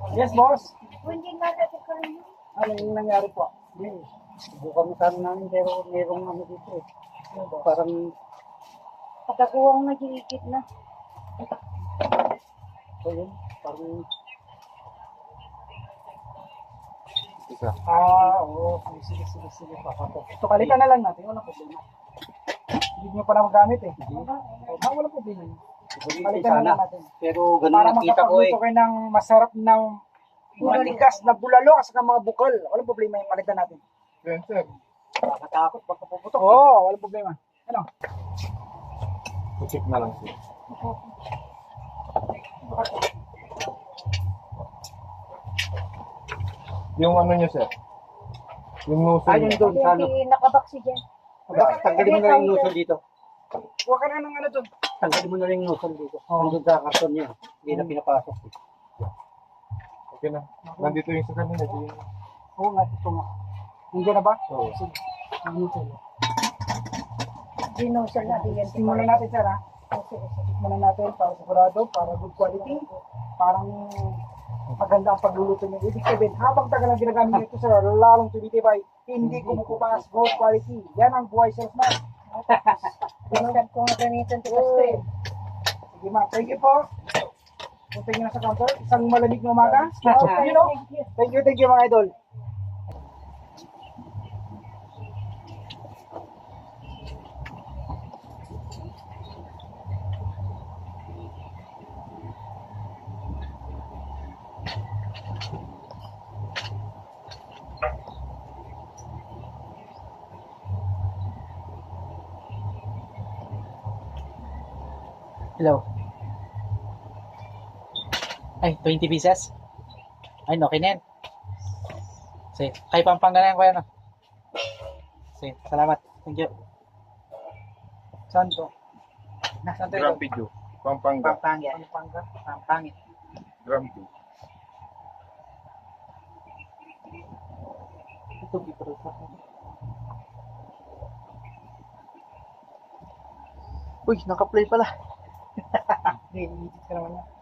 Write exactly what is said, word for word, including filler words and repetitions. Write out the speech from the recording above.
Yes, boss. Hindi nga natin kayo. Ano yung nangyari po? Hindi. Subukan mo sana namin pero mayroong ano dito eh. Parang, Pagkakuha ng nagigigit na. so yun, parang, Isa. ah, oo, sige, sige, sige, sige, papato. Ito, palitan na lang natin, walang problema. Hindi nyo pa na magamit eh. Ah, walang problema. Palitan na lang natin. Pero ganun Para nakita ko eh. makapagluto kayo ng masarap ng matigas na bulalo at saka mga bukal. Walang problema yung palitan natin. Yan, sir. Nakakatakot, baka puputok. Oo, oh, walang problema. Ano? Check na lang, sir. Yung ano niya, sir. Yung nozzle Ayun niya. doon sa ano. Hindi nakabaksi dyan. Bakit tanggalin mo na yung nozzle dito? Huwag ka na ng ano doon. Tanggalin mo na yung nozzle dito. Oo. Nandun sa karton niya. Hindi na pinapasok. Okay na. Nandito yung sa kanina. di yun. Oo nga, ito nga. Nandiyan na ba? Oo. Sige. Ano ito? Dinosal na din yan. Simulan natin, sir, ha? Simulan natin para sigurado, para good quality. Parang maganda ang pagluluto niyo. Ibig sabihin, habang tagal ang ginagamit nito, sir, lalong tumitibay, hindi kumukupas, good quality. Yan ang buhay salesman. Dinosal ko nga ganito. Kasi Sige, ma'am. Thank you po. Punta nyo na sa counter. Isang malamig na umaga. You know? Thank you, thank you, mga idol. Hello. Ay, twenty pieces? Ay, okay na yan. Sige, kay Pampanga na yan, kuya, no? Sige, salamat. Thank you. Saan to? Nasaan to ito? Grampido. Pampanga. Pampanga. Pampanga. Pampanga. Grampido. Ito, dito rin sa akin. Uy, naka-play pala. Hindi, edit ka naman yan.